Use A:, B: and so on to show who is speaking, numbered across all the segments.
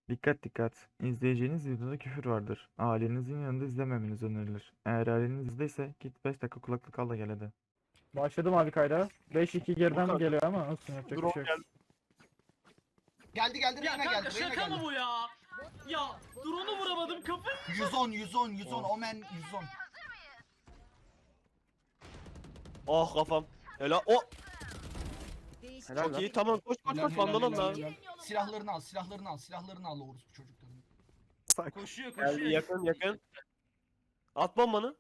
A: Dikkat dikkat. İzleyeceğiniz videoda küfür vardır. Ailenizin yanında izlememeniz önerilir. Eğer aileniz izdeyse git 5 dakika kulaklık al da gel hadi. Başladım abi kayda. 5-2 geriden
B: Volkan,
A: geliyor ama olsun yapacak bir
B: drone
A: şey yok.
B: geldi.
C: Geldi
D: Ya
C: Reyna
D: kanka
C: geldi Reyna
D: şaka mı
C: geldi.
D: bu ya? Ya drone'u vuramadım kafayı.
C: 110 Omen 110.
B: Ah kafam. Helal. O
E: Helal
B: çok
E: lan.
B: iyi. Tamam koş koş
C: Helal,
B: koş.
C: helal,
B: Vandalım
C: helal,
B: lan.
C: helal. Silahlarını al orospu çocukların.
D: Koşuyor
B: Geldi
D: koşuyor.
B: yakın. At bombanı.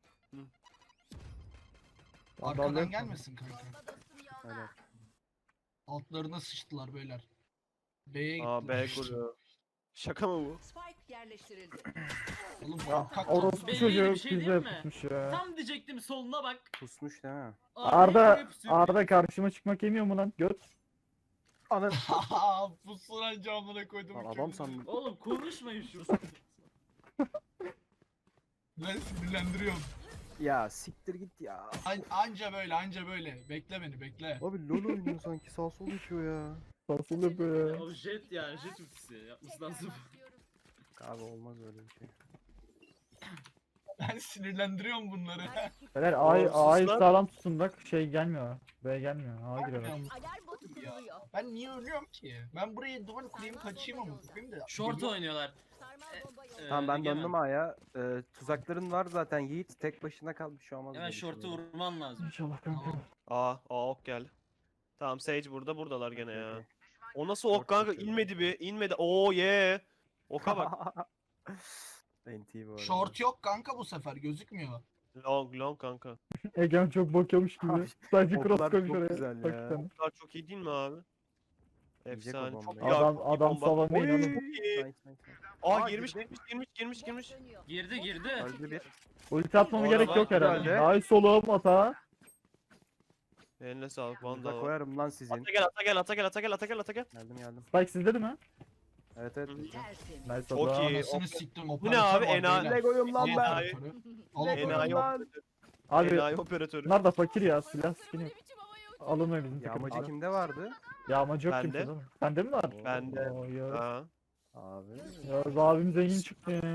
C: Arkadan
A: Dalga-
C: gelmesin kanka.
E: Helal.
C: Altlarına sıçtılar beyler. B'ye gittiler.
B: Aa B kuruyor. Şaka mı bu?
E: Spike yerleştirildi.
C: Oğlum
A: Ya
C: korkak
A: orospu
D: Belli
A: çocuğu
D: bir şey
A: bize
D: değil mi?
A: tutmuş ya.
D: Tam diyecektim soluna bak.
E: Pusmuş değil mi?
A: Arda karşıma çıkmak yemiyor mu lan? Göt.
E: Anam.
C: Haha pusulan camına koydum.
E: Lan adam sandım.
D: Oğlum konuşmayın şu.
C: Ben sinirlendiriyorum.
E: Ya siktir git ya.
C: Anca böyle. Bekle beni bekle.
E: Abi LoL oynuyor sanki sağ sol geçiyor ya.
A: Nasıl yapıyor ya?
D: O jet yani jet ultisi yapması lazım.
E: Abi olmaz öyle bir şey.
C: Ben sinirlendiriyorum bunları.
A: Beyler
B: Oğlum,
A: A'yı
B: sus lan.
A: sağlam tutun bak şey gelmiyor. B gelmiyor. A giriyorlar.
E: Alarm botu kuruluyor.
C: Ben niye ölüyorum ki? Ben buraya duvar kurayım kaçayım ama kurayım da.
D: Short oynuyorlar.
E: Tamam
D: Tamam
E: ben döndüm A'ya. Tuzakların var zaten Yiğit tek başına kalmış şu olmaz.
D: Hemen
E: böyle bir şey
D: short'u
E: böyle.
D: vurman lazım.
A: İnşallah kanka.
B: Aa ok geldi. Tamam Sage burada. Buradalar gene ya.
E: Okey.
B: O nasıl ok kanka?
E: kaçıyor.
B: İnmedi bir. İnmedi. Oo ye. Oka bak.
E: NT bu arada.
C: Short yok kanka bu sefer gözükmüyor.
B: Long kanka.
A: Egem çok bakıyormuş gibi.
E: Abi,
A: Sadece
E: oklar
A: cross koymuş
E: çok
A: oraya.
E: güzel
A: Bak
E: ya.
A: sen.
B: Oklar çok iyi değil mi abi?
E: Yiyecek o
B: Efsane. Çok
E: bombayı.
B: iyi abi,
A: Adam
B: çok iyi
A: adam
B: bomba.
A: salamayın oğlum.
B: Oy!
E: Nice.
B: Aa
E: Aa,
B: girmiş.
E: girdi.
D: Girdi.
E: Öldü bir.
A: Ulti atmama
B: Orada
A: gerek
B: var,
A: yok herhalde.
E: güzelce.
A: Ay soluğum ata.
B: Eline sağlık
E: Burada
B: Vandal.
E: koyarım lan sizin.
B: Ata gel.
E: Geldim.
A: Spike sizde değil mi?
E: Evet.
B: Hı.
A: Nice
B: Çok
A: adam.
B: iyi.
C: Anasını siktim
B: Bu ne abi?
C: operatör var beyler.
E: Lego'yum lan
C: Al
E: ben.
C: operatörü. Al
E: Lego
C: operatörü.
B: Enayi
E: lan.
B: operatörü.
A: Abi
B: Enayi operatörü.
A: bunlar da fakir ya. Silah skin yok. Alınmıyor bizim
E: Yağmacı
A: takımda.
E: kimde vardı?
A: Yağmacı yok
B: Bende.
A: kimse değil mi? Sende mi var?
B: Bende.
A: Oo, ya.
B: Aa.
E: Abi.
A: Ya abim zengin çıktı ya.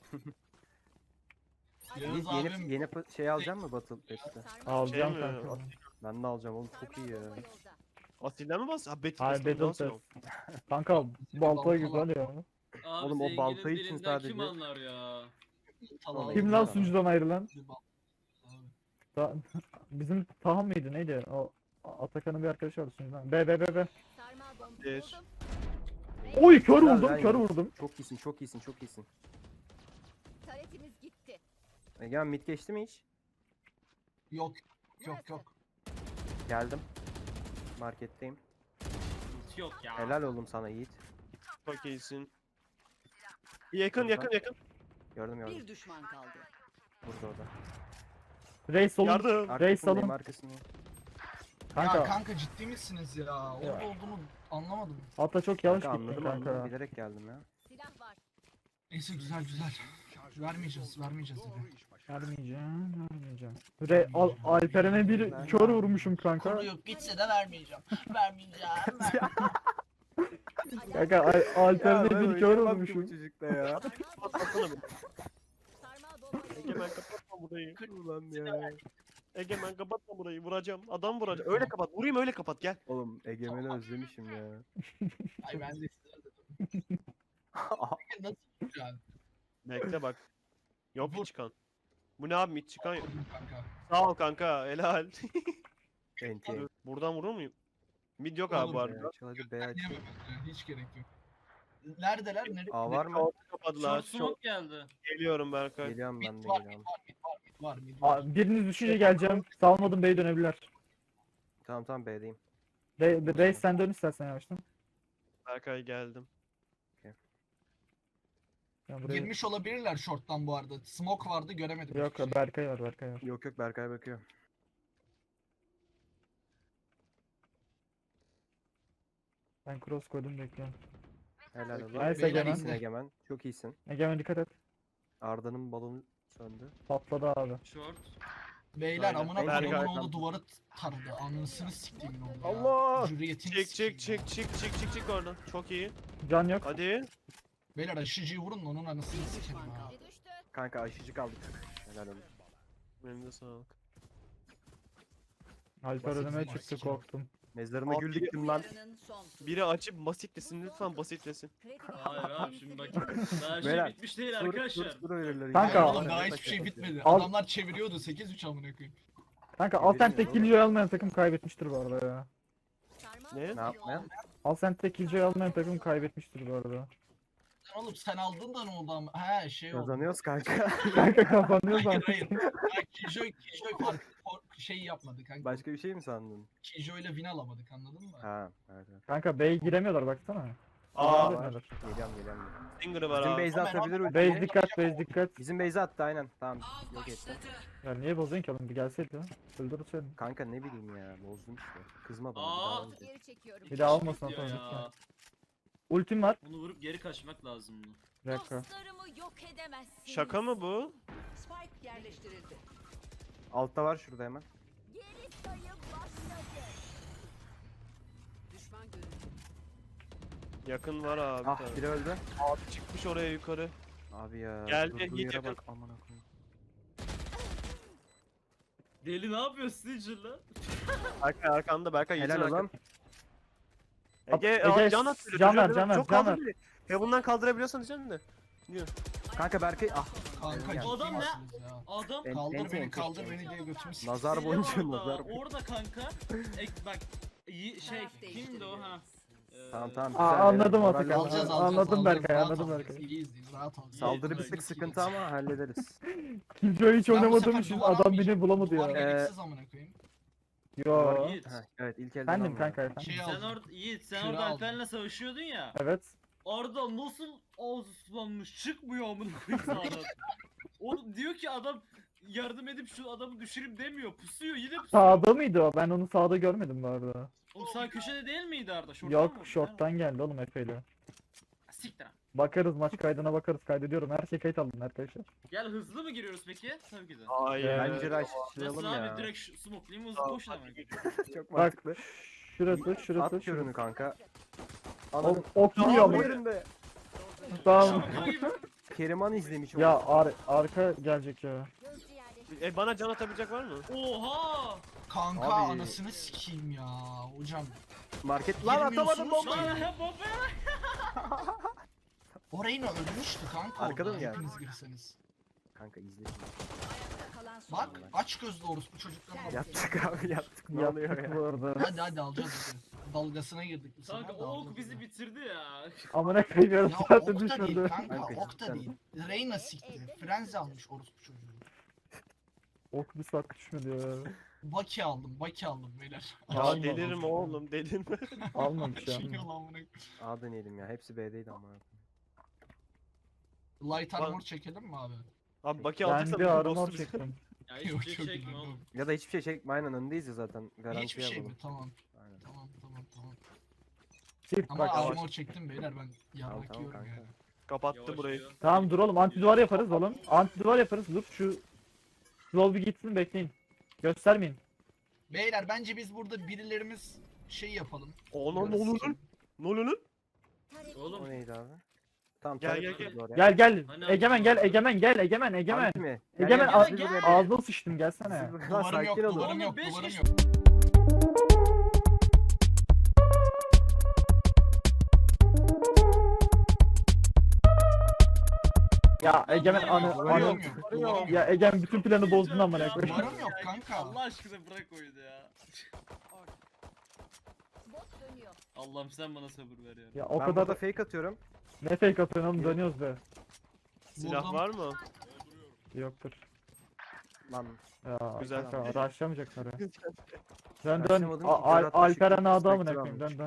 C: Yalnız
E: Yiğit
C: abim
E: yeni şey alacak mı Battle Pass'te?
A: Alacağım
B: mi?
A: kanka.
E: Ben de alacağım oğlum çok iyi ya.
B: Asilden mi bas? Ha Battle
A: Hayır
B: Pass'ten
A: Battle
B: nasıl
A: Pass.
B: yok?
A: Kanka balta
C: Balta
A: güzel ya.
D: Abi
E: Oğlum, o
D: zenginin
E: balta için
D: birinden
E: sadece-
D: Kim anlar ya?
C: Tamam.
A: Kim lan sunucudan ayrılan?
C: Abi.
A: Bizim Taha mıydı neydi? O Atakan'ın bir arkadaşı vardı sunucudan. B.
B: Bir.
A: Oy kör
E: Helal
A: vurdum
E: lan
A: kör
E: Yiğit.
A: vurdum.
E: Çok iyisin.
F: Taretimiz gitti.
E: Egemen mid geçti mi hiç?
C: Yok.
E: Geldim. Marketteyim.
D: Ulti yok ya.
E: Helal oğlum sana Yiğit.
B: Çok iyisin. Yakın.
E: Gördüm.
F: Bir düşman kaldı.
E: Burada o da.
A: Reis olun.
B: Yardım.
A: Reis
E: Arkasındayım
A: alın.
E: arkasındayım.
A: Kanka.
C: Ya kanka ciddi misiniz ya? Orada
A: Ya.
C: olduğunu anlamadım.
A: Hatta çok yanlış
E: Kanka
A: gittin
E: anladım
A: kanka.
E: bilerek geldim ya.
F: Silah var.
C: Neyse güzel. Vermeyeceğiz abi.
A: Vermeyeceğim. Alperen'e bir kör vurmuşum kanka.
C: Kuruyup gitse de vermeyeceğim.
A: Kanka Alperen'e bir kör vurmuşum.
E: çocukta ya.
B: Kapatsana bir.
F: Sarmal bomba
B: Egemen kapatma burayı.
E: Ulan ya.
B: Egemen kapatma burayı. Vuracağım. Adam vuracağım. Öyle kapat. Vurayım öyle kapat gel.
E: Oğlum Egemen'i özlemişim ya.
C: Ay ben de nasıl yani?
B: Bekle bak. Yok hiç çıkan. Bu ne abi hiç çıkan yok.
C: Kanka.
B: Sağ ol kanka. Helal.
E: NT.
B: Buradan vurur muyum? Mid yok abi bu
C: Oğlum
B: arada.
E: Hadi B aç.
C: Diyemem yani, hiç gerek yok. Neredeler?
E: A var mı?
B: Short'u kapadılar.
D: Short smoke geldi.
B: Geliyorum Berkay.
E: Geliyorum ben de
C: Var,
E: geliyorum.
C: mid var.
A: Biriniz düşünce geleceğim. Salmadım B'ye dönebilirler.
E: Tamam B'deyim.
A: Reis sen dön istersen yavaştan.
B: Berkay geldim.
A: Ben buraya...
C: Girmiş olabilirler short'tan bu arada. Smoke vardı göremedim.
A: Yok
C: hiçbir şey.
A: Berkay var.
E: Yok Berkay bakıyor.
A: Ben cross koydum bekliyorum.
E: Helal olsun.
A: Nice
C: Beyler
A: Egemen.
E: İyisin Egemen. Çok iyisin.
A: Egemen dikkat et.
E: Arda'nın balonu söndü.
A: Patladı abi.
D: Short.
C: Beyler
B: Aynen.
C: amına
B: Berkay.
C: koyduğum oğlu duvarı taradı. Anasını siktiğimin oğlu ya.
E: Allah!
C: Hürriyetini sikeyim ya.
B: Çık oradan. Çok iyi.
A: Can yok.
B: Hadi.
C: Beyler aşıcıyı vurun da onun anasını
F: Bir
C: sikerim
F: düşman
C: ha.
F: kaldı. Düştü.
E: Kanka aşıcı kaldık. Helal olsun.
B: Benim de sağlık.
A: Alper
C: Basit
A: önüme
C: bir
A: çıktı
C: maske.
A: korktum.
E: Mezarına
B: Abi,
E: gül diktim lan.
F: Yarının son turu.
B: Biri açıp basitlesin lütfen basitlesin.
F: Kredi
D: Hayır
F: değeri
D: abi şimdi bak.
F: temsil
D: Daha şey
E: Beyler,
D: bitmiş değil arkadaşlar.
E: Tur verirler.
A: Kanka-
C: Hayır
A: Al.
C: oğlum daha hiçbir şey bitmedi.
A: Al.
C: Adamlar çeviriyordu 8-3 amına koyayım.
A: Kanka
E: Bilmiyorum
A: Alsent'te
E: oğlum.
A: killjoy almayan takım kaybetmiştir bu arada ya.
F: Sarmal
B: Ne?
F: bomba
E: Ne yapmayan?
A: Alsent'te killjoy almayan takım kaybetmiştir bu arada.
C: Lan oğlum sen aldın da ne oldu ama? He şey oldu.
E: Kazanıyoruz kanka.
A: Kanka kapanıyor
C: Hayır
A: zaten.
C: hayır. Ya Killjoy şey yapmadı kanka.
E: Başka bir şey mi sandın?
C: Killjoy ile win alamadık anladın mı?
E: Ha, evet evet.
A: Kanka B'ye giremiyorlar baksana.
B: Aa,
A: Giremiyorlar.
E: Geliyorum.
B: Singer'ı var
E: Bizim
B: abi.
E: base'e atabilir
A: Base
E: ultiyi.
A: dikkat, base dikkat.
E: Bizim base'e attı aynen. Tamam. Yok etti.
A: Ya niye bozuyorsun ki oğlum? Bir gelseydi ya. Öldürürseydin.
E: Kanka ne bileyim ya. Bozdum işte. Kızma bana.
D: Aa.
E: bir daha önce.
F: geri çekiyorum.
A: Bir daha almasın
D: Diyor
A: atalım.
D: ya.
A: Ultim var.
D: Bunu vurup geri kaçmak lazım bunu.
A: Bir dakika.
F: Dostlarımı yok edemezsiniz.
B: Şaka mı bu?
F: Spike yerleştirildi.
E: Altta var şurada hemen.
F: Geri sayım başladı. Düşman görüldü.
B: Yakın var abi.
E: Ah
B: tabii.
E: biri öldü.
B: Abi çıkmış oraya yukarı.
E: Abi ya.
B: Geldi,
E: durduğu
B: hit
E: yere
B: yakın.
E: bak. Aman akıyım.
D: Deli ne yapıyorsun Stitcher lan?
B: Arkanda Berkay
E: Helal
B: yetin
E: oğlum.
B: Ege,
A: Ege,
B: can at.
A: can ver, can ver,
B: Çok
A: can
B: kaldır
A: ver.
B: bile. Heaven'dan kaldırabiliyorsan diyeceğim de.
E: Kanka Berkay ah.
C: Kanka
E: Ya.
C: ciddi
D: Adam ne?
C: misiniz ya?
D: Adam
E: En-
C: Kaldır
E: enti,
C: beni
E: enti.
C: kaldır beni diye götümü siktir.
E: Nazar
D: deli
E: boncuğu
D: orada,
E: nazar.
D: orada kanka. Bak şey kimdi o ha?
E: Tamam tamam.
A: Aa,
E: güzel,
A: anladım
E: helal.
A: artık.
E: Moral
C: Alacağız
E: alacağız.
C: alacağız.
A: Anladım
C: alacağız,
A: Berkay,
C: rahat
A: anladım
C: alacağız.
A: Berkay.
C: İyiyiz iyiyiz rahat ol.
E: Saldırı bir
D: Yeter,
E: tık
C: git,
E: sıkıntı
C: git.
E: ama hallederiz.
A: Killjoy hiç
C: Ben bu
A: oynamadığım
C: sefer
A: için
C: duvar
A: adam beni
C: almayacağım.
A: bulamadı
C: Duvar
A: ya.
C: gereksiz amına koyayım.
A: Yo.
D: Yiğit.
E: Heh, evet ilk elden
A: Efendim
E: almıyorum.
A: kanka efendim.
C: Şey
D: Sen
C: aldım.
D: orada Yiğit sen
C: Küre
D: orada
C: aldım.
D: Alper'le savaşıyordun ya.
A: Evet.
D: Arda nasıl ağzı sulanmış çıkmıyor amına koyayım sağdan. O diyor ki adam yardım edip şu adamı düşüreyim demiyor. Pusuyor yine pusuyor.
A: Sağda mıydı o? Ben onu sağda görmedim bu arada.
D: Oğlum sağ köşede değil miydi Arda? Şorttan mı?
A: Yok, short'tan geldi oğlum Efe'yle.
D: Siktir. lan.
A: Bakarız maç kaydına bakarız. Kaydediyorum. Her şey kayıt aldım arkadaşlar.
D: Gel hızlı mı giriyoruz peki? Tabii ki de.
B: Hayır.
E: Bence
D: Nasıl
E: rushlayalım ya.
D: abi direkt smoke'layım hızlı koşun ama.
E: Çok
A: Bak.
E: mantıklı.
A: Şurası,
E: At
A: şurası,
E: körünü
A: şurası.
E: kanka.
A: Oğlum ok yiyor
E: Tam
A: mu?
E: yerinde.
A: Tamam.
E: Keriman izlemiş
A: Ya
E: onu.
A: arka gelecek ya.
F: Gözcü yerleştirildi.
B: Bana can atabilecek var mı?
D: Oha!
C: Kanka
E: Abi.
C: anasını sikeyim ya hocam.
E: Market lan atamadım
C: Girmiyorsunuz
E: bombayı.
C: ki.
D: Lan baba!
C: Orayı ne ölmüştü kanka
E: Arkada
C: orada
E: mı geldi?
C: hepiniz girseniz.
E: Kanka izle şimdi.
F: Ayakta kalan son.
C: Bak aç gözlü orospu çocuklarına bak.
E: Yaptık abi yaptık. Ne oluyor
A: Yaptık
E: ya?
A: bu arada.
C: Hadi alacağız hadi. Dalgasına girdik bu sefer.
D: Kanka
C: de
D: o ok
C: alacağız
D: bizi
C: hadi.
D: bitirdi ya.
A: Amına koyuyorum
C: Ya
A: zaten
C: ok da değil
A: düşürdü.
C: kanka
E: Kanka
C: ok da
E: cidden.
C: değil. Reyna sikti. Frenzy almış orospu çocuğu.
A: Ok bir saat düşmedi ya.
C: Baki aldım beyler.
B: Ya
A: Alma,
B: delirme
A: alma.
B: oğlum delirme.
A: Almamış ya.
C: Açılıyor lan bunu.
E: A deneyelim ya. Hepsi B'deydi ama.
C: Light
B: Bak-
C: armor çekelim mi abi?
B: Abi Baki
A: Ben
B: alacaksan
A: bir
B: bizim
A: armor
B: boss'u bize.
A: çektim.
D: Ya
C: Yok
D: hiçbir
C: çok
D: şey çekme
C: iyi.
D: oğlum.
E: Ya da hiçbir şey çekme aynen öndeyiz ya zaten. Garanti
C: Hiçbir şey mi?
E: yapalım.
C: Tamam.
E: Aynen.
C: Tamam.
A: Çift
C: Ama
A: bak.
C: armor çektim beyler ben
E: Tamam
C: yarrak
E: tamam
C: yiyorum
E: kanka.
C: yani.
B: Kapattı
D: Yavaş
B: burayı.
D: yürü.
A: Tamam dur oğlum anti duvar yaparız oğlum. Anti duvar yaparız dur şu Slow bir gitsin bekleyin. Göstermeyin.
C: Beyler bence biz burada birilerimiz şey yapalım.
B: Ona ne olur lan? Ne olur lan?
F: Tarek
E: O
D: Oğlum
E: neydi abi? Tamam
B: Gel,
E: taret
B: gel,
E: kurdu oraya.
A: Gel gel.
D: Hani
A: Egemen gel Egemen gel Egemen Egemen.
E: Harbi mi? Gel,
A: Egemen
E: gel,
A: ağz-
E: biz buraya-
A: ağzına sıçtım gelsene.
E: Siz- Lan
C: Duvarım yok,
E: sakin olun.
C: duvarım yok,
D: Oğlum, beş
C: duvarım
D: kişi-
C: yok.
A: Ya Egemen anı
C: Duvarım
A: anı.
C: yok, duvarım yok.
A: Ya Egemen bütün planı bozdun amına koyayım.
C: Duvarım yok kanka.
D: Allah aşkına bırak oyunu ya.
F: bot dönüyor.
D: Allah'ım sen bana sabır ver ya.
A: Ya o
E: Ben
A: kadar
E: burada fake atıyorum.
A: ne fake atıyorsun oğlum dönüyoruz be.
B: Silah
C: Vurdum.
B: var mı?
A: Yoktur.
E: Lan
A: Ya
B: Güzel.
A: kanka rushlamayacaklar ya. Dön dön.
E: Rushlamadım ki, Berat
A: Alperen
E: Işık'ın
A: Ağda amına
E: Spectre
A: koyayım dön dön.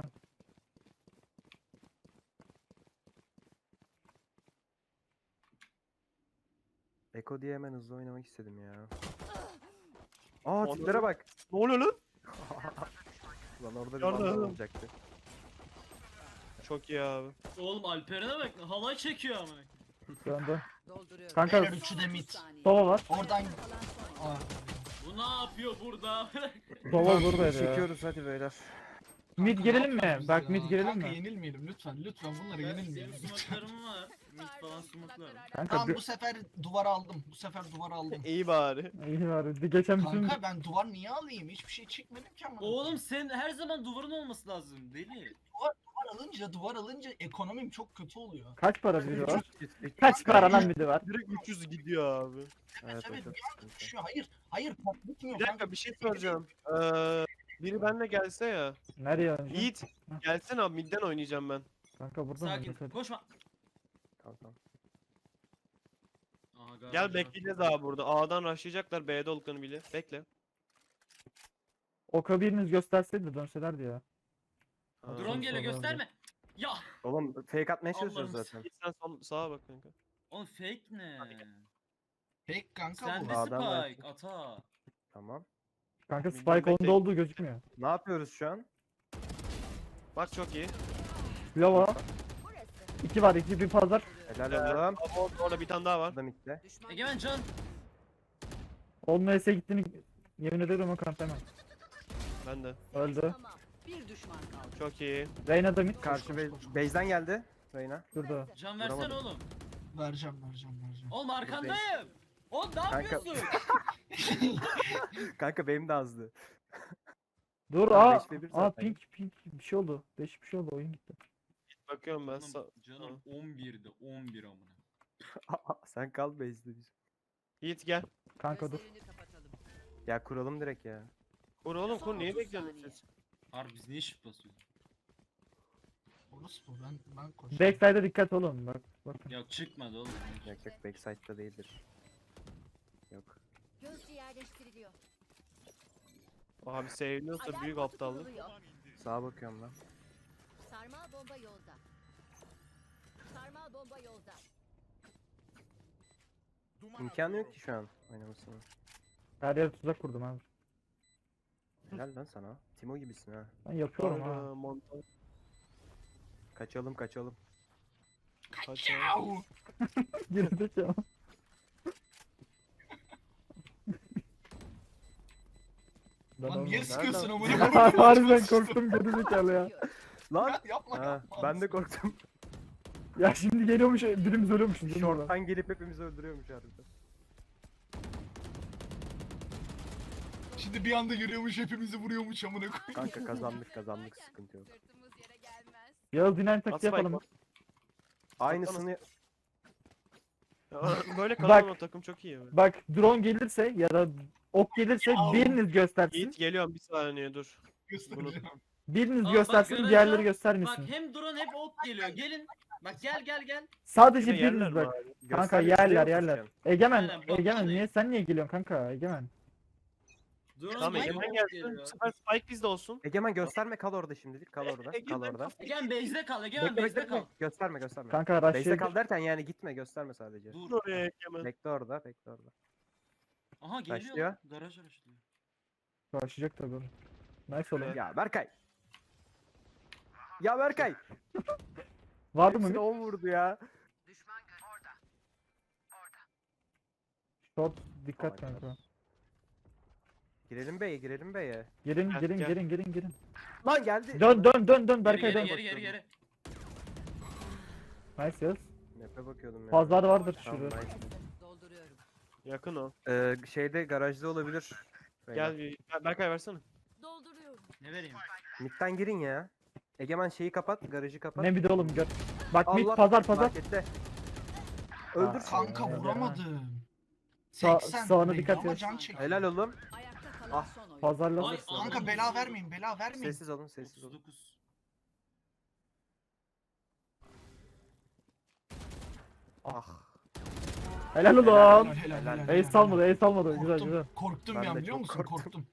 E: Eko diye hemen hızlı oynamak istedim ya. Aa tiplere bak.
B: Ne oluyor lan?
E: Lan orada bir
B: Yardım.
E: vandal olacaktı.
B: Çok iyi abi.
D: Oğlum Alperen'e bak halay çekiyor ama.
A: Dön dön.
F: Dolduruyorum.
A: Kanka
C: Beyler üçü de mid.
A: Sova var.
C: Oradan...
F: Kalan son.
C: Aa,
D: Bu ne yapıyor burada?
A: Sova buradaydı ya.
E: Çekiyoruz hadi beyler.
A: Mid girelim mi?
C: yapıyorsunuz
A: Bak
C: ya?
A: mid girelim
C: Kanka
A: mi?
C: yenilmeyelim lütfen. Lütfen bunlara
D: Benim
C: yenilmeyelim. Lütfen.
D: smoke'larım var. Mid falan smoke'larım.
A: Kanka
C: Tamam
A: bir...
C: bu sefer duvar aldım. Bu sefer duvar aldım.
B: İyi bari.
A: İyi var. Geçen bütün...
C: Kanka ben duvar niye alayım? Hiçbir şey çıkmadım ki ama.
D: Oğlum sen her zaman duvarın olması lazım deli.
C: Duvar alınca ekonomim çok kötü oluyor.
A: Kaç para biri var?
E: 300,
A: Kaç para lan biri var?
B: Direkt 300 gidiyor abi.
E: Evet, o
C: Evet,
E: çok
C: bir
E: sıkıntı.
C: Şu hayır patlatmıyor.
B: Bir dakika bir şey soracağım. Biri benimle gelse ya.
A: Nereye oynayacağım?
B: Yiğit gelsene abi midden oynayacağım ben.
A: Kanka burada mı?
D: Sakin.
A: Hadi.
D: Koşma.
E: Tamam tamam.
D: Aha, galiba
B: Gel bekleyeceğiz abi burada. A'dan rushlayacaklar B'de olduklarını bile. Bekle.
A: Oka biriniz gösterseydi de dönselerdi ya.
B: Ha.
D: Drone geliyor
A: Sonra
D: gösterme. Ya.
E: Oğlum fake atmaya çalışıyoruz
D: Allah'ım
E: zaten.
B: Yiğit sen sağa bak kanka.
D: Oğlum fake ne?
C: Pek kanka
D: Sen
C: bu.
D: de
E: Adam var.
D: spike ata.
E: Tamam.
A: Kanka
B: Bilmem
A: Spike onda
B: bekle.
A: olduğu gözükmüyor.
E: Ne yapıyoruz şu an?
B: Bak çok iyi.
A: Lava.
F: Burası.
A: 2 var, 2 bir pazar.
E: Helal oğlum.
B: Abi orada bir tane daha var.
E: Burada mitte.
F: Düşman
D: Egemen can.
A: Onun S'e gittiğini yemin ederim o kantemem.
B: Ben de.
A: Öldü.
F: Tamam. Bir düşman kaldı.
B: Çok iyi.
A: Reyna da mid.
E: Karşı base'den geldi. Reyna.
A: Şurada.
D: Can versene
E: Vuramadım.
D: oğlum.
C: Vereceğim.
D: Oğlum arkandayım. Oğlum ne
E: Kanka-
D: yapıyorsun?
E: Kanka benim de azdı.
A: Dur
E: Tamam,
A: aa.
E: 5v1
A: Aa
E: zaten.
A: pink bir şey oldu. Değişik bir şey oldu, oyun gitti.
B: Bakıyorum ben.
D: Oğlum, canım 11'de 11 amına.
E: Sen kal base'de biz.
B: Yiğit gel.
A: Kanka dur.
F: Gözlerini kapatalım.
E: Ya kuralım direkt ya.
B: Kur oğlum kur.
F: Son
B: Niye
F: 30
B: bekliyorsunuz
F: saniye.
B: siz?
D: Harbi biz niye shift basıyoruz?
C: Orası bu. Ben koşuyorum.
A: Backside'e dikkat olun bak. Bakın.
D: Ya çıkmadı oğlum.
E: Yok yok backside'da değildir. Yok.
F: Gözcü yerleştiriliyor.
B: Abi seviliyorsa
F: Alarm
B: büyük
F: botu
B: aptallık.
F: kuruluyor.
E: Sağa bakıyorum lan.
F: Sarmal bomba yolda. Sarmal bomba yolda.
E: İmkanı yok ki şu an oynamasına.
A: Her yere tuzak kurdum abi.
E: Helal lan sana. Timo gibisin ha.
A: Ben yapıyorum ha.
B: Sonra montaj.
E: Kaçalım kaçalım.
C: Kaçav.
A: Girdik ya. Ben
C: Lan niye
A: olmadım.
C: sıkıyorsun
E: Nereden-
C: amına koyayım?
A: Harbiden korktum gerizekalı ya.
E: Lan!
C: Ya yapma
E: Ha,
C: yapma.
E: ben de korktum.
A: Ya şimdi geliyormuş birimiz ölüyormuş. Değil mi orada?
E: Short'tan gelip hepimizi öldürüyormuş harbiden.
C: Şimdi bir anda görüyormuş hepimizi vuruyormuş amına koyayım.
E: Kanka kazandık sıkıntı yok.
F: Sırtımız yere gelmez.
A: Yağız dinlen
B: At
A: taktiği
B: spike
A: yapalım.
B: bak.
E: Aynısını
B: Ya, böyle kalan o takım çok iyi. abi.
A: Bak drone gelirse ya da ok gelirse
C: Au.
A: biriniz göstersin.
B: Yiğit geliyorum bir saniye dur.
C: Göstereceğim.
A: Biriniz
D: Aa, bak,
A: göstersin,
D: garaja-
A: diğerleri
D: Bak
A: göstermesin.
D: hem drone hep ok geliyor. Gelin. Bak gel.
A: Sadece
B: Yine yerler
A: biriniz
B: mi
A: bak.
B: abi?
A: Kanka
E: göstermek
A: yerler
E: istiyor
A: yerler.
E: musun
A: Egemen,
D: Aynen, bak,
A: Egemen
D: hani-
A: niye sen niye geliyorsun kanka Egemen?
D: Drone
B: Tamam
D: hep
B: Egemen
D: ok
B: gelsin.
D: geliyor.
B: Bu sefer Spike bizde olsun.
E: sen? Egemen gösterme kal orada şimdilik kal orada. Kal
B: Egemen
E: orada.
D: Egemen base'de kal. Egemen
E: Bekle
D: base'de
E: bekle
D: kal.
E: bekle. Gösterme.
A: Kanka
E: Base'de
A: rush'e
E: kal derken yani gitme gösterme sadece.
D: Dur.
B: Dur oraya Egemen.
E: Bekle orada bekle orada.
D: Aha geliyor.
E: Başlıyor.
D: Lan. Garaj araştırıyor.
A: başlayacak tabii. Nice oğlum.
E: Ya Berkay. Ya Berkay.
A: Vardı mı
E: Hepsini
A: bir?
E: 10 vurdu ya.
A: Short dikkat
E: Vay
A: kanka.
E: Girelim beye girelim beye.
A: Girin
B: Gel,
A: girin
B: gel.
A: girin girin girin.
E: Lan geldi.
A: Dön Berkay
D: Geri
A: dön.
D: geri.
A: Nice Yağız.
E: Nepe bakıyordum ya.
A: Pazar vardır
E: Tamam,
A: şurada.
E: nice.
F: Dolduruyorum.
B: Yakın o.
E: Şeyde garajda olabilir.
B: Gel bir. Berkay versene.
F: Dolduruyorum.
D: Ne vereyim?
E: Mid'den girin ya. Egemen şeyi kapat, garajı kapat.
A: Ne bir de oğlum gör. Bak mid
E: Allah,
A: pazar.
E: Markette. Öldür.
C: Kanka
A: Ya.
C: vuramadım.
A: Sağ-
C: 80
A: sağına
C: neydi
A: dikkat
C: ama
A: et.
C: can çekti.
E: Helal oğlum.
F: Ayakta kalan
E: Ah,
F: son oyun.
A: Pazarla.
D: Ay,
C: Kanka bela vermeyin bela vermeyin.
E: Sessiz olun, sessiz olun.
D: 39.
E: Ah.
A: Helal oğlum.
C: Helal.
A: Ace salmadı, ace salmadı. Güzel
C: Korktum,
A: güzel.
C: korktum
E: Ben
C: ya
E: de
C: biliyor
E: çok
C: musun?
E: korktum.
C: Korktum.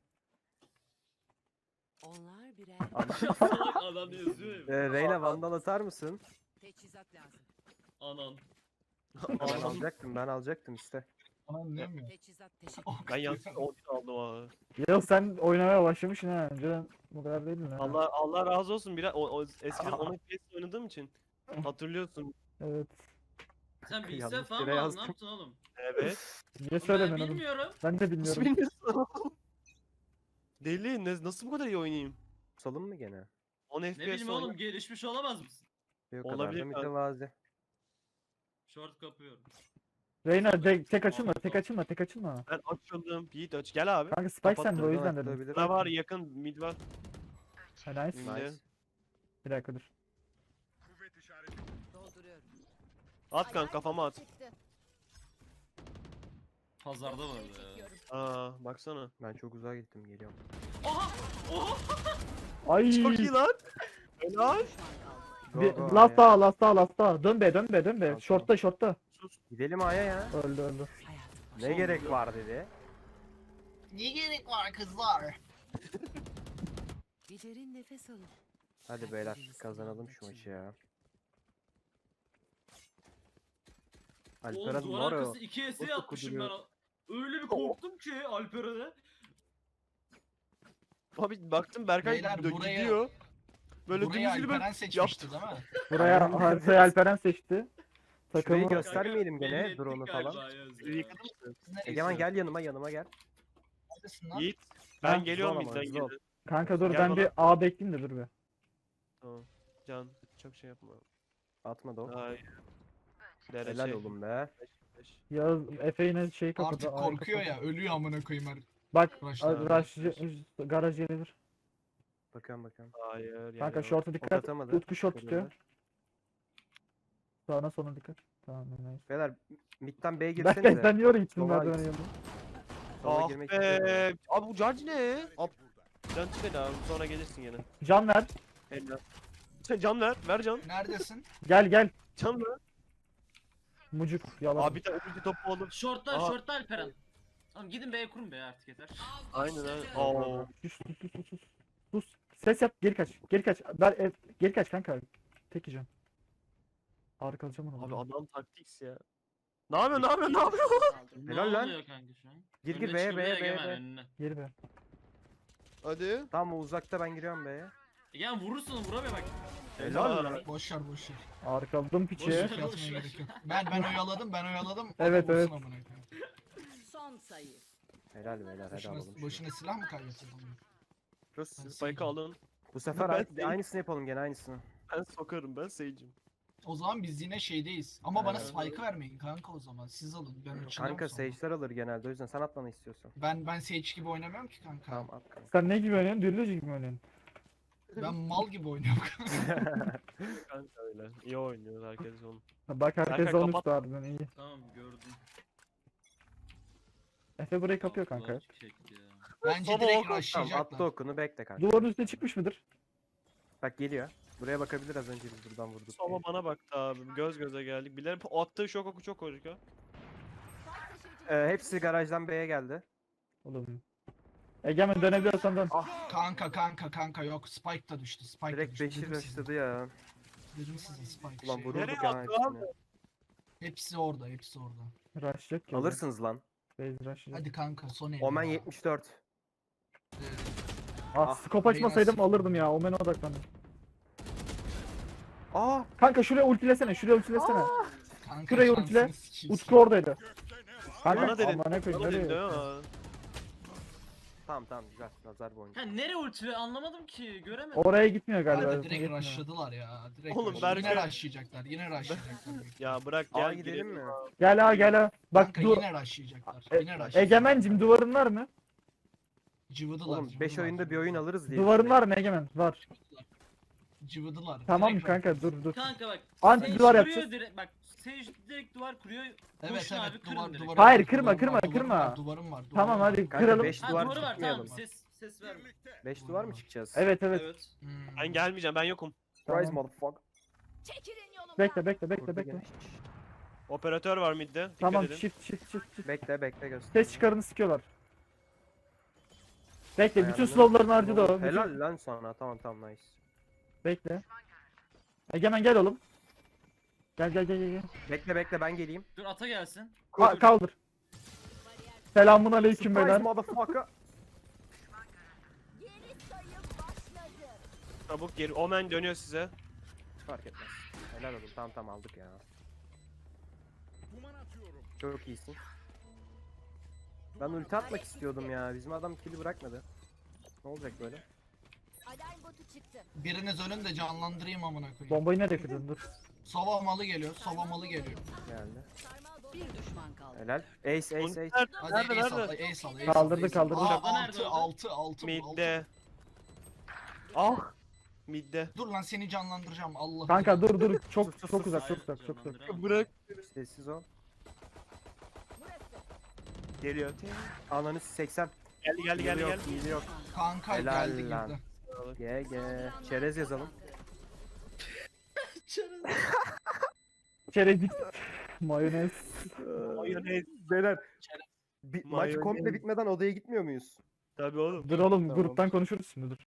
F: Onlar birer
D: Salak adam yazıyor ya.
E: Reyna vandal atar mısın?
F: teçhizat lazım.
D: Anan.
E: Ben alacaktım işte.
C: Anam mi?
F: Teçhizat teşekkür.
B: Ben yalnız 10 aldım abi.
A: Yağız sen oynamaya başlamışsın ha. Önceden bu kadar değildin ha.
B: Allah razı olsun. Biraz eskiden 10 FPS oynadığım için hatırlıyorsun.
A: Evet.
D: Sen bilgisayar
E: Yanlış
D: falan
E: yere
D: mı aldın?
E: yazdım.
D: Ne yaptın oğlum?
B: Evet.
A: Niye
D: Ben
A: söylemiyorsun oğlum?
D: bilmiyorum.
A: Ben de
B: Nasıl
A: bilmiyorum.
B: bilmiyorsun? Deli nasıl bu kadar iyi oynayayım?
E: Pusalım mı gene?
B: 10
D: Ne
B: FPS
D: bileyim oğlum
B: oynuyor.
D: gelişmiş olamaz mısın?
E: Yok
B: Olabilir
E: kadar da
B: kanka.
E: mütevazi.
D: Short kapıyorum.
A: Reyna tek açılma, tek açılma, tek açılma.
B: Ben açıldım. Yiğit aç. Gel abi.
A: Kanka Spike sende o
B: Kapattım.
A: yüzden dedim.
E: Açılabilir.
B: Ne var yakın mid var.
A: Ha, nice.
B: Şimdi.
E: Nice.
A: Bir dakika dur.
F: Dolduruyorum.
B: At kanka kafama at.
D: Pazarda var ya.
B: Aa baksana.
E: Ben çok uzağa gittim geliyorum.
D: Oha! Oha!
A: Ay.
B: Çok iyi lan. Helal.
E: Go,
A: Bir,
E: go
A: last
E: A'ya.
A: daha, last daha, last daha. Dön be, dön be, dön be.
E: Tamam,
A: Short'ta, short'ta.
E: Gidelim A'ya ya.
A: Öldü, öldü.
E: Ne gerek var dedi.
C: Ne gerek var kızlar?
F: Bir derin nefes alın.
E: Hadi beyler kazanalım şu maçı ya.
D: Oğlum
E: Alperen
D: duvar
E: var ya.
D: arkası 2 ES
E: nasıl
D: atmışım ben.
E: kuduruyor?
D: Öyle bir korktum ki Alperen'e.
B: Abi baktım Berkay
C: Beyler, buraya-
B: gidiyor. Böyle
C: Burayı
B: dümdüz gibi
C: Alperen seçmişti değil mi?
A: Buraya haritayı Alperen seçti.
E: Şurayı
A: Takımı
E: göstermeyelim
D: Belli
E: gene
D: ettik
E: drone'u
D: galiba
E: falan.
D: Ayaz
B: Suyu
D: ya.
B: yıkadın mı?
C: Siz nereye
E: Egemen
C: gidiyorsunuz?
E: gel yanıma gel.
C: Neredesin lan?
B: Yiğit.
A: Ha,
B: Ben geliyorum
E: zor ama,
B: midden
E: zor.
B: geri.
A: Kanka dur
B: Gel
A: ben
B: bana.
A: bir A bekleyeyim de dur bir.
B: Tamam. Can çok şey yapma.
E: Atma da o.
B: Ay.
E: Helal oğlum be.
A: Yağız Efe yine şey kapadı.
C: Artık
A: A'yı
C: korkuyor
A: kapadı.
C: ya. Ölüyor amına koyayım her.
A: Bak
C: Rush'lar.
A: garaj gelebilir.
E: Bakıyorum.
B: Hayır.
A: Kanka
B: yani
A: short'a
E: Ok
A: dikkat.
E: atamadı.
A: Utku short tutuyor.
E: Korudu.
A: Sağına sonuna dikkat. Tamam nice.
E: Beyler midden B'ye
A: Berkay
E: girsenize.
A: sen niye oraya gittin
E: Sola
A: merdivenin
E: git.
A: yanına?
E: Sola
B: Ah
E: girmek istiyorum.
B: be. Abi bu charge ne? Ab. Can çık abi sonra gelirsin gene.
A: Can ver.
B: Helal. Sen can ver. Ver can.
C: Neredesin?
A: Gel.
B: Can ver.
A: Mucuk yalan.
B: Abi bir tane ulti topu alıp.
D: Short'ta
B: Aha.
D: short'ta Alperen. Tamam gidin B'ye kurun be artık yeter.
B: Aynen aynen. Oo.
A: Sus. Sus. Ses yap geri kaç. Geri kaç. Geri kaç kanka. Tek yiyeceğim. Harika alacağım onu.
B: Abi adam taktiks ya. Ne yapıyorsun?
D: Ne
E: Helal lan.
D: oluyor kanka şu an?
E: Gir,
D: Önüne
E: B'ye,
D: çıkıyor,
E: B'ye,
D: Egemen
E: B'ye.
D: önüne.
A: Geri be.
B: Hadi.
E: Tamam o uzakta ben giriyorum B'ye.
D: Egemen vurursun vuramıyor bak.
E: Helal lan.
C: Boş ver.
A: Harika aldım
D: Boş
A: piçi.
D: ver.
C: Yatmaya gerek yok. Ben oyaladım.
A: Evet,
C: Adam
A: evet.
C: vursun amına koyayım.
F: Son sayı.
E: Helal beyler hadi alalım şunu.
C: Boşuna silah mı kaybettin?
B: Rus
C: Ben
B: spike alın.
E: Bu sefer
B: Ben değil.
E: aynısını yapalım gene aynısını.
B: Ben sokarım ben seyircim.
C: O zaman biz yine şeydeyiz. Ama bana
E: Evet.
C: spike'ı vermeyin kanka o zaman. Siz alın. Ben uçacağım
E: Kanka
C: sonra.
E: Sage'ler alır genelde o yüzden sen atmanı istiyorsan.
C: Ben Sage gibi oynamıyorum ki kanka.
E: Tamam at kanka.
A: Sen ne gibi oynuyorsun? Dürlücü gibi mi oynuyorsun?
C: Ben mal gibi oynuyorum.
B: Kanka öyle. İyi oynuyor herkes onu.
A: Bak herkes
B: Berkay,
A: onu
B: kapat.
A: tuttu harbiden iyi.
D: Tamam gördüm.
A: Efe burayı kapıyor kanka.
D: Allah çekti ya.
C: Bence
B: Soba
C: direkt
B: oku,
E: Tamam
C: rushlayacaklar.
E: attı okunu bekle kanka.
A: Duvarın üstüne çıkmış mıdır?
E: Bak geliyor. Buraya bakabilir az önce biz buradan vurduk.
B: Sova
E: diye.
B: bana baktı abi. Göz göze geldik. Bilerek attığı şok oku çok harika.
E: Hepsi garajdan B'ye geldi.
A: Oğlum. Egemen dönebiliyorsan dön.
C: Kanka yok. Spike da düştü. Spike da
E: Direkt
C: düştü.
E: 5'i
C: Dedim size.
E: rushladı ya.
C: Dedim size Spike.
E: Ulan
C: şey.
E: vururduk
B: Nereye
E: ya
B: attı abi?
E: hepsini.
C: Hepsi orada.
A: Rushlayacak ki.
E: Alırsınız lan.
A: Base rushlayacak.
C: Hadi kanka son el.
E: Omen
C: ya.
E: 74.
A: Ah, scope açmasaydım
C: Beyler,
A: alırdım ya. Omen'e odaklandım.
E: Aa!
A: Kanka şuraya ultilesene.
C: Kanka
A: Şurayı
C: şansını
A: ultile.
C: sikeyim
A: Utku oradaydı.
B: Bana
A: Kanka
B: dedin.
A: aman ne koyayım
B: Bana dedin
A: nereye?
B: ha.
E: Tamam güzel. Nazar boncuğu.
D: Ha nereye ulti anlamadım ki göremedim.
A: Oraya gitmiyor
C: Kanka
A: galiba.
C: direkt
A: Gitmiyor.
C: rushladılar ya. Direkt
B: Oğlum,
C: rushladılar. Yine
B: Berkay-
C: rushlayacaklar. Yine rushlayacaklar.
B: Ya bırak
E: Aa
B: gel
E: gidelim mi?
A: Gel. Bak
C: Kanka
A: dur.
C: yine rushlayacaklar. Yine rushlayacaklar.
A: Egemencim duvarın var mı?
C: Cıvıdılar.
E: Oğlum 5
C: cıvıdılar,
E: oyunda bir oyun
C: cıvıdılar.
E: alırız diye.
A: Duvarın var mı Egemen? Var.
C: Cıvıdılar.
A: Tamam
C: direkt
A: kanka dur.
D: Kanka bak.
A: Anti
D: Sage
A: duvar
D: kuruyor
A: yapacağız.
D: direkt, bak Sage direkt duvar kuruyor.
C: Evet
D: Koşun abi,
C: evet
D: kırın
C: duvar
D: direkt.
C: duvar.
A: Hayır,
C: var,
A: kırma,
C: duvarım var,
A: kırma,
C: duvarım
A: kırma.
C: var, Duvarım var.
A: Tamam
C: duvarım var.
A: hadi
E: Kanka
A: kıralım.
E: 5
D: Ha
E: duvar
D: duvarı var
E: çıkmayalım.
D: tamam ses verme.
E: 5 duvar mı çıkacağız?
A: Evet.
C: Hmm.
B: Ben gelmeyeceğim ben yokum.
E: Surprise
A: Tamam.
E: motherfucker.
F: Çekilin yolumdan.
A: Bekle.
E: Gene.
B: Operatör var midde. Dikkat
A: Tamam
B: edin.
A: shift.
E: Bekle göster.
A: Ses çıkarını sıkıyorlar. Bekle bütün
E: Ayarını-
A: slowlarını harcadı o.
E: Helal lan sana. Tamam nice.
A: Bekle. Egemen gel oğlum. Gel.
E: Bekle ben geleyim.
D: Dur ata gelsin.
A: Kaldır. Selamun aleyküm
E: Surprise
A: beyler.
E: motherfucker.
B: Çabuk geri. Omen dönüyor size.
E: Hiç fark etmez. Helal olsun. Tamam aldık ya. Çok iyisin. Ben ulti atmak istiyordum ya. Bizim adam kill'i bırakmadı. Ne olacak böyle?
F: Alarm botu çıktı.
C: Biriniz ölün de canlandırayım amına koyayım.
A: Bombayı nereye kırdın? Dur.
C: Sova malı geliyor. Sova malı geliyor.
E: Geldi.
F: Sarmal bomba. Bir düşman kaldı.
E: Helal. Ace ace ace.
C: Hadi
B: Nerede,
C: ace al,
B: nerede?
C: ace al, ace
A: Kaldırdı,
C: al, ace
A: kaldırdı.
C: al. Aa,
D: Orada nerede,
C: 6
B: Midde.
E: Ah.
B: Midde.
C: Dur lan seni canlandıracağım Allah.
A: Kanka dur dur. Çok
E: Sus, sus,
A: çok
E: sus.
A: uzak, çok
D: Hayır,
A: uzak, çok uzak.
D: canlandıramam.
B: Bırak.
E: Sessiz ol.
F: Burası.
B: Geliyor.
E: Ananı 80.
B: Geldi geldi geldi
E: Yok,
B: geldi.
E: hile yok.
C: Kanka
E: Helal
C: geldi
E: lan.
C: girdi.
E: GG. Çerez yazalım.
A: Çerezlik. Mayonez.
B: Mayonez.
E: Beyler. Maç
B: Mayonez.
E: komple bitmeden odaya gitmiyor muyuz?
B: Tabii oğlum.
A: Dur oğlum,
E: Tamam.
A: gruptan konuşuruz şimdi dur.